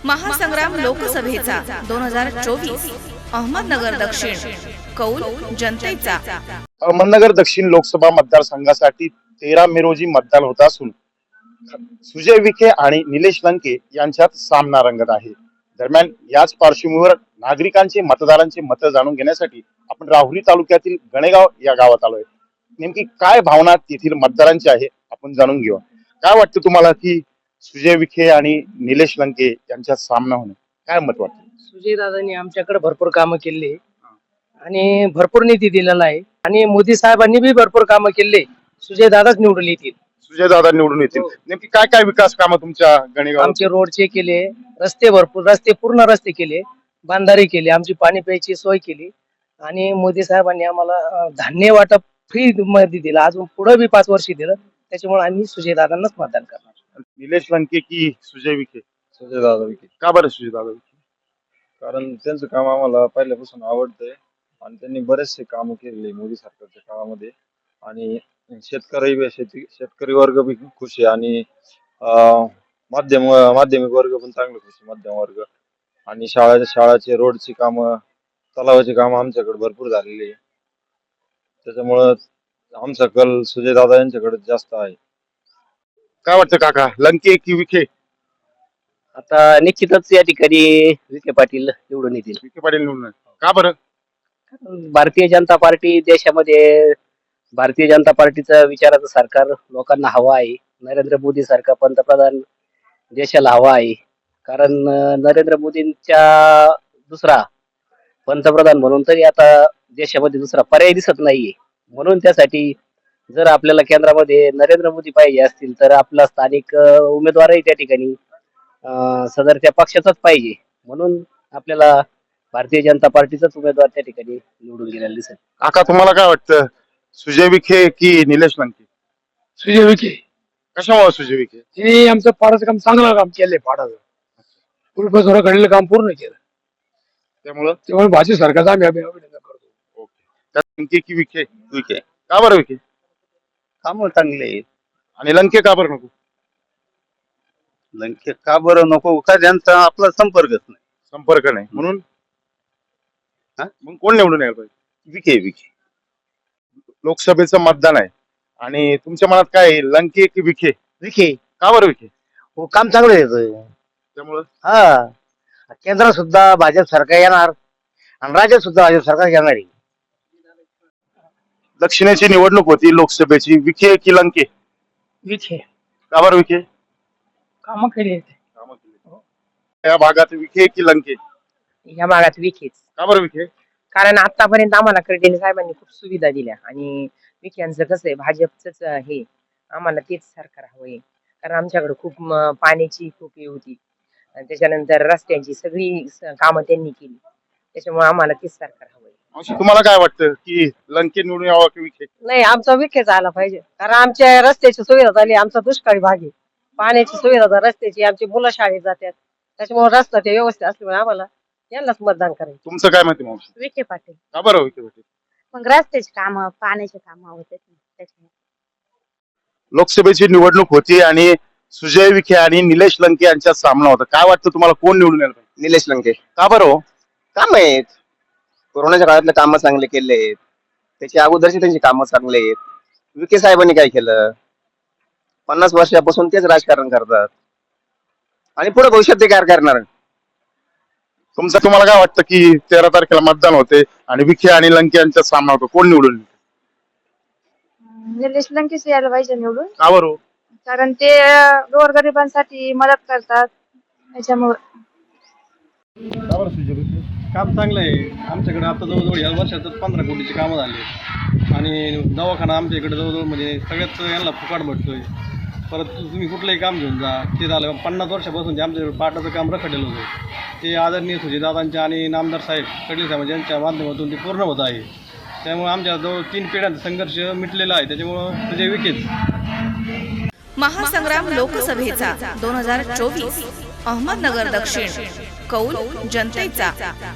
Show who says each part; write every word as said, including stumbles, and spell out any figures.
Speaker 1: महासंग्राम लोकसभेचा दोन हजार चोवीस अहमदनगर दक्षिण कौल जनतेचा।
Speaker 2: अहमदनगर दक्षिण लोकसभा मतदारसंघासाठी तेरा मे रोजी मतदान होत असून सुजय विखे आणि निलेश लंके यांच्यात सामना रंगत आहे। दरम्यान याच पार्श्वभूमीवर नागरिकांचे मतदारांचे मत जाणून घेण्यासाठी आपण राहुरी तालुक्यातील गणेगाव या गावात आलोय। नेमकी काय भावना तेथील मतदारांची आहे आपण जाणून घेऊ। काय वाटतं तुम्हाला की सुजय विखे आणि निलेश लंके यांच्यात सामना होणे काय मत वाटतं?
Speaker 3: सुजय दादांनी आमच्याकडे भरपूर कामं केली आणि भरपूर निधी दिलेला आहे आणि मोदी साहेबांनी बी भरपूर कामं केले। सुजय दादाच निवडून येतील।
Speaker 2: सुजय दादा निवडून येतील। नेमकी काय काय विकास कामं तुमच्या गणेगाव?
Speaker 3: आमचे रोडचे केले, रस्ते भरपूर रस्ते पूर्ण रस्ते केले, बांधारी केली, आमची पाणी प्यायची सोय केली आणि मोदी साहेबांनी आम्हाला धान्य वाटप फ्री मध्ये दिलं। अजून पुढे बी पाच वर्ष दिलं। त्याच्यामुळे आम्ही सुजय दादांनाच मतदान करणार।
Speaker 2: निलेश लंके की सुजय विखे?
Speaker 4: सुजय दादा विखे।
Speaker 2: का बरं सुजय दादा विखे?
Speaker 4: कारण त्यांचं काम आम्हाला पहिल्यापासून आवडतंय आणि त्यांनी बरेचसे काम केलेले मोदी सरकारच्या काळामध्ये आणि शेतकरी शेती शेतकरी वर्ग बी खुश आहे आणि माध्यम माध्यमिक वर्ग पण चांगले खुश आहे। मध्यम वर्ग आणि शाळा शाळाचे रोडची कामं तलावाची कामं आमच्याकडे भरपूर झालेली आहे। त्याच्यामुळं आमचा कल सुजय दादा यांच्याकडे जास्त आहे।
Speaker 2: काय वाटतं काका, लंके की विखे?
Speaker 5: आता निश्चितच या ठिकाणी विखे पाटील निवडून येतील।
Speaker 2: विखे पाटील निवडून? का बरं?
Speaker 5: भारतीय जनता पार्टी देशामध्ये भारतीय जनता पार्टीचं विचाराचं सरकार लोकांना हवं आहे। नरेंद्र मोदी सारखा पंतप्रधान देशाला हवा आहे। कारण नरेंद्र मोदींच्या दुसरा पंतप्रधान म्हणून तरी आता देशामध्ये दुसरा पर्याय दिसत नाहीये। म्हणून त्यासाठी जर आपल्याला केंद्रामध्ये नरेंद्र मोदी पाहिजे असतील तर आपला स्थानिक उमेदवारही त्या ठिकाणी सदर त्या पक्षाचाच पाहिजे। म्हणून आपल्याला भारतीय जनता पार्टीचाच उमेदवार त्या ठिकाणी निवडून गेलेला दिसेल।
Speaker 2: काका तुम्हाला काय वाटतं, सुजय विखे की निलेश लंके?
Speaker 6: सुजय विखे।
Speaker 2: कशामुळे सुजय विखे?
Speaker 6: हे आमचं पाडाचं काम चांगलं काम केलंय। पाडाचं पूर्वजोरा घडलेलं काम पूर्ण केलं,
Speaker 2: त्यामुळं
Speaker 6: त्यामुळे भाजप सरकारचा आम्ही अभिनंदन करतो।
Speaker 2: ओके, लंके की विखे? विखे। का बरं विखे?
Speaker 7: काम चांगले आहेत।
Speaker 2: आणि लंके का बरं नको?
Speaker 7: लंके का बरं नको? का त्यांचा आपला संपर्कच नाही।
Speaker 2: संपर्क नाही म्हणून? हा मग कोण निवडून यायला पाहिजे?
Speaker 7: विखे विखे
Speaker 2: लोकसभेचं मतदान आहे आणि तुमच्या मनात काय आहे, लंके की विखे?
Speaker 8: विखे।
Speaker 2: का बरं विखे?
Speaker 8: हो, काम चांगलं येतं
Speaker 2: त्यामुळं
Speaker 8: हा। केंद्रात सुद्धा भाजप सरकार येणार आणि राज्यात सुद्धा भाजप सरकार येणार आहे।
Speaker 2: दक्षिणेची निवडणूक होती लोकसभेची, विखे की लंके?
Speaker 6: विखे।
Speaker 2: का बरं विखे?
Speaker 6: काम केले
Speaker 2: या भागात विखे की लंके?
Speaker 9: या भागात विखेच।
Speaker 2: का बरं विखे?
Speaker 9: कारण आतापर्यंत आम्हाला खडसे साहेबांनी खूप सुविधा दिल्या आणि विखेंचं कसं आहे, भाजपच हे आम्हाला तेच सरकार हवंय। कारण आमच्याकडे खूप पाण्याची खूप हे होती आणि त्याच्यानंतर रस्त्यांची सगळी कामं त्यांनी केली। त्याच्यामुळे आम्हाला तेच सरकार हवंय।
Speaker 2: तुम्हाला काय वाटतं की लंके निवडून यावा की विखे?
Speaker 9: नाही, आमचा विखेच आला पाहिजे। कारण आमच्या रस्त्याची सुविधा झाली, आमचा दुष्काळी भाग आहे, पाण्याची सुविधा रस्त्याची, आमची मुलं शाळेत जातात, त्याच्यामुळे रस्ता ते व्यवस्थित असल्यामुळे आम्हाला यांनाच मतदान करायचं।
Speaker 2: तुमचं काय माहिती मावशी?
Speaker 10: विखे पाटील।
Speaker 2: का बरं विखे पाटील?
Speaker 10: मग रस्त्याची कामं पाण्याची कामं होते त्याच्यामुळे।
Speaker 2: लोकसभेची निवडणूक होती आणि सुजय विखे आणि निलेश लंके यांच्यात सामना होता। काय वाटतं तुम्हाला कोण निवडून यायला पाहिजे?
Speaker 7: निलेश लंके।
Speaker 2: का बरं हो?
Speaker 7: काम आहेत, कोरोनाच्या काळातले कामं चांगले केले आहेत, त्याच्या अगोदरचे त्यांची कामं चांगले आहेत। विखे साहेबांनी काय केलं, पन्नास वर्षापासून तेच राजकारण करतात आणि पुढे भविष्यात ते काय करणार?
Speaker 2: तुमचं तुम्हाला काय वाटतं की तेरा तारखेला मतदान होते आणि विखे आणि लंके यांच्यात सामना होतो, कोण निवडून?
Speaker 10: निलेश लंकेच यायला पाहिजे निवडून।
Speaker 2: का बरं हो?
Speaker 10: कारण ते गोरगरिबांसाठी मदत करतात त्याच्यामुळे।
Speaker 2: का बरं सुजय विखे?
Speaker 4: काम चांगलं आहे। आमच्याकडे आता जवळजवळ या वर्षातच पंधरा कोटीची कामं झाली आणि दवाखाना आमच्या इकडे जवळजवळ म्हणजे सगळ्याच यांना फुकाट भेटतोय। परत तुम्ही कुठलंही काम घेऊन जा, ते झालं पन्नास वर्षापासून जे आमच्याकडे पाटाचं काम रखडलेलं होतं ते आदरणीय सुजयदादांच्या आणि नामदार साहेब खडसे साहेब यांच्या माध्यमातून ते पूर्ण होत आहे। त्यामुळे आमच्या जवळ तीन पिढ्यांचा संघर्ष मिटलेला आहे। त्याच्यामुळं सुजय विखेच।
Speaker 1: महासंग्राम लोकसभेचा दोन हजार चोवीस अहमदनगर दक्षिण कौल जनतेचा।